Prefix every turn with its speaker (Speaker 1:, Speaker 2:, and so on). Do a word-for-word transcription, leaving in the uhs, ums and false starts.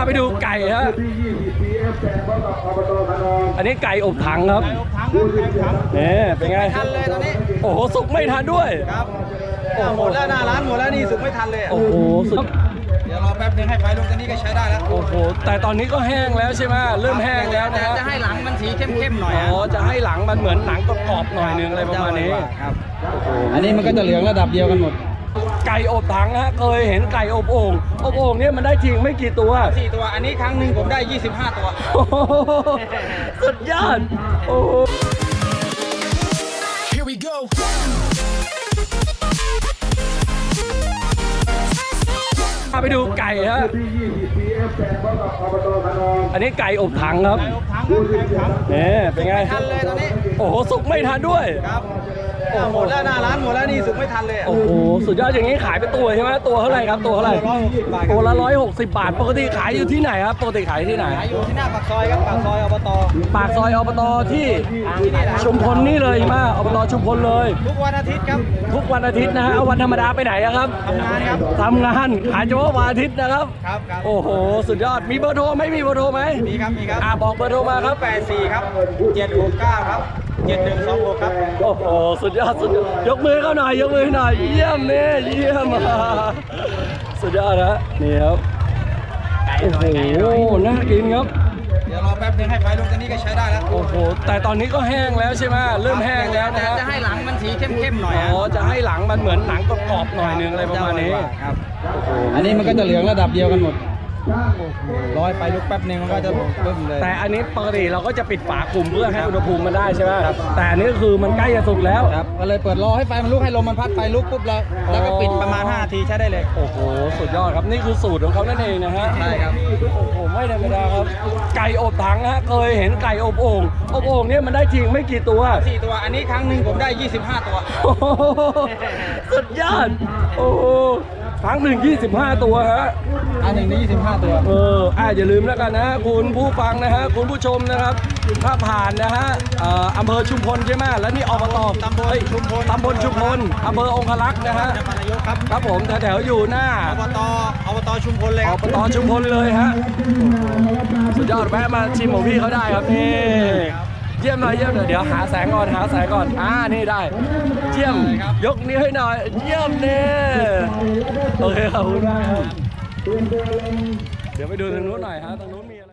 Speaker 1: ไปดูไก่ฮะอันนี้ไก่อบถังครับเนี่ยเป็นไง
Speaker 2: ทันเลยตอนนี้
Speaker 1: โอ้โหสุกไม่ทันด้วย
Speaker 2: ครับหมดแล้วหน้าร้านหมดแล้วนี่สุกไม่ทันเลย
Speaker 1: โอ้โหสุด
Speaker 2: เดี๋ยวรอแป๊บนึงให้ไฟลงตอนนี้ก็ใช้ได้แล้ว
Speaker 1: โอ้โหแต่ตอนนี้ก็แห้งแล้วใช่ไหมเริ่มแห้งแล้วนะ
Speaker 2: จะให้หลังมันสีเข้มๆหน่อย
Speaker 1: อ๋อจะให้หลังมันเหมือนหนังกรอบๆหน่อยนึงอะไรประมาณนี้
Speaker 2: ครับอันนี้มันก็จะเหลืองระดับเดียวกันหมด
Speaker 1: ไก่อบถังฮะเคยเห็นไก่อบโอ่งอบโอ่งเนี่ยมันได้จริงไม่กี่ตัว
Speaker 2: สี่ตัวอันนี้ครั้งหนึ่งผมได้ยี่สิบห้าตัว
Speaker 1: สุดยอดโอ้Here we goไปดูไก่ฮะอันนี้ไก่อบถังครับเนี่ยเป็นไง
Speaker 2: ทันเลยตอนนี้
Speaker 1: โอ้โหสุกไม่ทันด้วย
Speaker 2: ครับหมดแล้วหน้าร้านหมดแล้วนี่สุกไม่ทันเลย
Speaker 1: โอ้โหสุดยอดอย่างนี้ขายเป็นตัวใช่ไหมตัวเท่าไหร่ครับตัวเท่าไหร่ตัวละร้อยหกสิบบาทปกติขายอยู่ที่ไหนครับปกติขายที่ไหน
Speaker 2: ขายอยู่ที่หน้าปากซอยครับปากซอยอบต
Speaker 1: ปากซอยอบตที่ชุมพลนี่เลยมาอบตชุมพลเลย
Speaker 2: ทุกวันอาทิตย์ครับ
Speaker 1: ทุกวันอาทิตย์นะฮะวันธรรมดาไปไหนครับ
Speaker 2: ทำงานครับ
Speaker 1: ทำงานขายเฉพาะวันอาทิตย์นะครับ
Speaker 2: ครับ
Speaker 1: โอ้โหสุดยอดมีเบอร์โทรไหมมีเบอร์โทรไหม
Speaker 2: มีครับมีครับ
Speaker 1: อ่าบอกเบอร์โทรมาครับ
Speaker 2: แปดสี่ครับเจ็ดหกเก้าครับเจ็ดหนึ่งสองหกครับ
Speaker 1: โอ้โหสุดยอดสุดยอดยกมือเข้าหน่อยยกมือหน่อยเยี่ยมเนี่ยเยี่ยมสุดยอดนะนี่ครับโอ้โหน่ากินครับ
Speaker 2: เดี๋ยวรอแป๊บนึงให้ไฟลงตอนนี้ก็ใช้ได้แล้ว
Speaker 1: โอ้โหแต่ตอนนี้ก็แห้งแล้วใช่ไหมเริ่มแห้งแล้วนะ
Speaker 2: จะให้หลังมันสีเข้มๆหน่อย
Speaker 1: อ๋อจะให้หลังมันเหมือนหนังกรอบๆหน่อยนึงอะไรประมาณนี้
Speaker 2: ครับอันนี้มันก็จะเหลืองระดับเดียวกันหมดร้อยไฟลุกแป๊บนึงมันก็จะเริ่มเลย
Speaker 1: แต่อันนี้ปกติเราก็จะปิดฝาคลุมเพื่อให้อุณหภูมิมันได้ใช่ไหมแต่อันนี้คือมันใกล้จะสุกแล้ว
Speaker 2: ครับก็เลยเปิดรอให้ไฟมันลุกให้ลมมันพัดไฟลุกปุ๊บแล้วแล้วก็ปิดประมาณห้านาทีใช้ได้เลย
Speaker 1: โอ้โหสุดยอดครับนี่คือสูตรของเขานั่นเองนะฮะ
Speaker 2: ใช่ครับ
Speaker 1: โอ้โหไม่ธรรมดาครับไก่อบถังฮะเคยเห็นไก่อบโอ่งอบโอ่งเนี่ยมันได้จริงไม่กี่ตัว
Speaker 2: สี่ตัวอันนี้ครั้งหนึ่งผมได้ยี่สิบห้าตัว
Speaker 1: สุดยอดโอ้ครั้งหนึ่งยี่สิบห้าตัวฮะ
Speaker 2: อันหนึ่งนี่ยี่สิบห้าตัว
Speaker 1: เอออ่าอย่าลืมแล้วกันนะคุณผู้ฟังนะฮะคุณผู้ชมนะครับถ้าผ่านนะฮะอำเภอชุมพลใช่ไหมแล้วนี่อบต
Speaker 2: ตำบลชุมพล
Speaker 1: ตำบลชุมพลอำเภอองคลักษ์นะฮะ
Speaker 2: ครับ
Speaker 1: ครับผมแถวๆอยู่หน้า
Speaker 2: อบตอบตชุมพลเลย
Speaker 1: อบตชุมพลเลยฮะสุดยอดแวะมาชิมของพี่เขาได้ครับนี่เยี่ยมหน่อยเยี่ยมหน่อยเดี๋ยวหาแสงก่อนหาแสงก่อนอ่านี่ได้เยี่ยมยกนิ้วให้หน่อยเยี่ยมเนี่ยโอเคขอบคุณมากครับเดี๋ยวไปดูทางนู้นหน่อยฮะทางนู้นมี